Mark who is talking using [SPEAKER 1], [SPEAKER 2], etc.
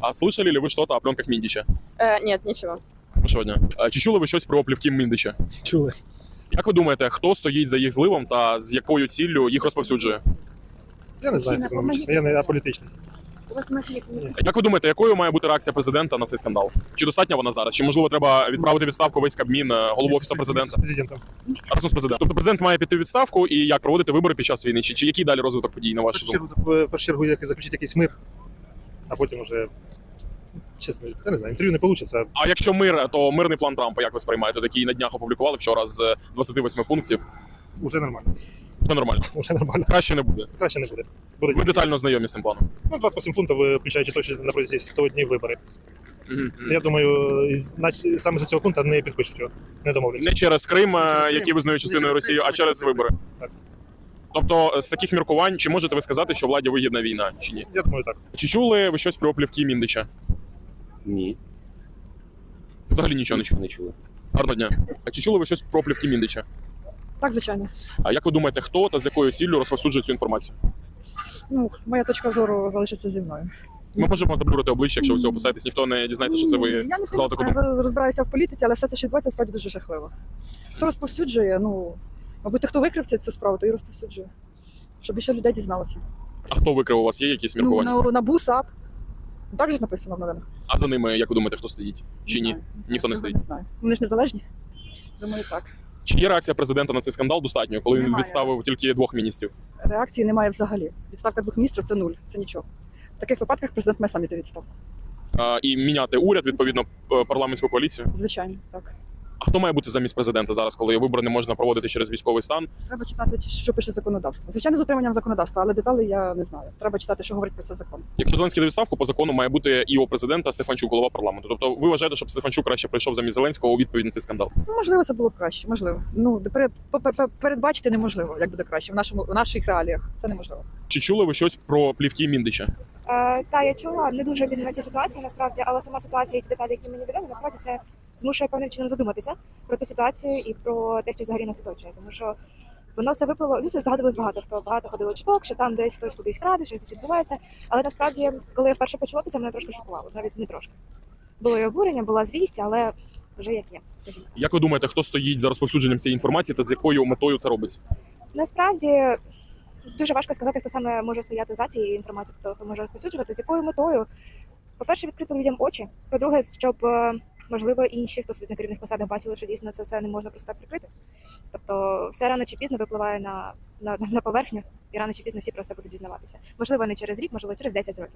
[SPEAKER 1] А слышали ли ви щось о пленках Міндіча?
[SPEAKER 2] Нет, ничего.
[SPEAKER 1] Сьогодні. Чи чули ви щось про плівки Міндіча?
[SPEAKER 3] Чули.
[SPEAKER 1] Як ви думаєте, хто стоїть за їх зливом та з якою ціллю їх розповсюджує?
[SPEAKER 3] Я не знаю, чесно, я не аполітичний.
[SPEAKER 1] Як ви думаєте, якою має бути реакція президента на цей скандал? Чи достатня вона зараз? Чи можливо треба відправити відставку весь Кабмін, голову офісу президента?
[SPEAKER 3] З президентом.
[SPEAKER 1] Разом з президентом. Тобто президент має піти у відставку і як проводити вибори під час війни? Чи який далі розвиток подій на вашу думку?
[SPEAKER 3] В першу чергу як заключити якийсь мир, а потім вже, чесно, я не знаю, інтерв'ю не вийде.
[SPEAKER 1] А якщо мир, то мирний план Трампа, як ви сприймаєте? Такий на днях опублікували вчора з 28 пунктів.
[SPEAKER 3] Уже нормально.
[SPEAKER 1] Все нормально.
[SPEAKER 3] Уже нормально.
[SPEAKER 1] Краще не буде.
[SPEAKER 3] Краще не буде.
[SPEAKER 1] Ви детально знайомі з цим планом.
[SPEAKER 3] Ну, 28 пунктів, включаючи точно на протязі 100 днів вибори. Я думаю, саме за цього пункту не підпишуть його, не домовляться.
[SPEAKER 1] Не через Крим, який визнає частиною Росії, а через вибори.
[SPEAKER 3] Так.
[SPEAKER 1] Тобто, з таких міркувань, чи можете ви сказати, що владі вигідна війна, чи ні?
[SPEAKER 3] Я думаю, так.
[SPEAKER 1] Чи чули ви щось про плівки Міндича?
[SPEAKER 4] Ні,
[SPEAKER 1] Взагалі нічого не чули.
[SPEAKER 4] не чули.
[SPEAKER 1] Гарного дня. А чи чули ви щось про плівки Міндича?
[SPEAKER 2] Так, звичайно.
[SPEAKER 1] А як ви думаєте, хто та з якою ціллю розповсюджує цю інформацію?
[SPEAKER 2] Ну, моя точка зору залишиться зі мною.
[SPEAKER 1] Ми можемо заблюрити обличчя, якщо ви цього писаєтесь, ніхто не дізнається, що це ви
[SPEAKER 2] Я не
[SPEAKER 1] сказали таку думку.
[SPEAKER 2] розбираюся в політиці, але все це, що відбувається, справді дуже жахливо. Хто розповсюджує, ну, мабуть, хто викрив цю справу, то і розповсюджує. Щоб ще людей дізналося.
[SPEAKER 1] А хто викрив? У вас є якісь міркування?
[SPEAKER 2] Ну, НАБУ, САП. Так же ж написано в новинах.
[SPEAKER 1] А за ними, як ви думаєте, хто стоїть? Чи ні? Ніхто не стоїть.
[SPEAKER 2] Не знаю. Вони ж незалежні? Думаю, так.
[SPEAKER 1] Чи є реакція президента на цей скандал достатньою, коли він
[SPEAKER 2] Немає.
[SPEAKER 1] відставив тільки 2 міністрів?
[SPEAKER 2] Реакції немає взагалі. Відставка 2 міністрів – це нуль, це нічого. В таких випадках президент має сам іти у відставку.
[SPEAKER 1] І міняти уряд, відповідно, парламентську коаліцію?
[SPEAKER 2] Звичайно, так.
[SPEAKER 1] А хто має бути замість президента зараз, коли вибори не можна проводити через військовий стан?
[SPEAKER 2] Треба читати, що пише законодавство. Звичайно, з дотриманням законодавства, але деталі я не знаю. Треба читати, що говорить про це закон.
[SPEAKER 1] Якщо Зеленський до відставку, по закону має бути і у президента Стефанчук, голова парламенту. Тобто ви вважаєте, щоб Стефанчук краще прийшов замість Зеленського у відповідь на цей скандал?
[SPEAKER 2] Ну, можливо, це було б краще, можливо. Ну, передбачити неможливо, як буде краще в наших реаліях. Це неможливо.
[SPEAKER 1] Чи чули ви щось про плівки Міндича?
[SPEAKER 5] Та я чула, не дуже відомо цю ситуацію насправді, але сама ситуація і ті деталі, які мені відомі, насправді це змушує певним чином задуматися про ту ситуацію і про те, що взагалі нас оточує. Тому що воно все виплило, звісно, здогадувалось багато ходило чуток, що там десь хтось кудись краде, щось десь відбувається. Але насправді, коли я вперше почула, це мене трошки шокувало, навіть не трошки. Було і обурення, була звість, але вже як є, скажімо.
[SPEAKER 1] Як ви думаєте, хто стоїть за розповсюдженням цієї інформації та з якою метою це робить?
[SPEAKER 5] Насправді дуже важко сказати, хто саме може стояти за цією інформацією, хто може розповсюджувати, з якою метою. По-перше, відкрити людям очі. По-друге, щоб, можливо, інші, хто сидить на керівних посадах, бачили, що дійсно це все не можна просто так прикрити. Тобто все рано чи пізно випливає на поверхню, і рано чи пізно всі про це будуть дізнаватися. Можливо, не через рік, можливо, через 10 років.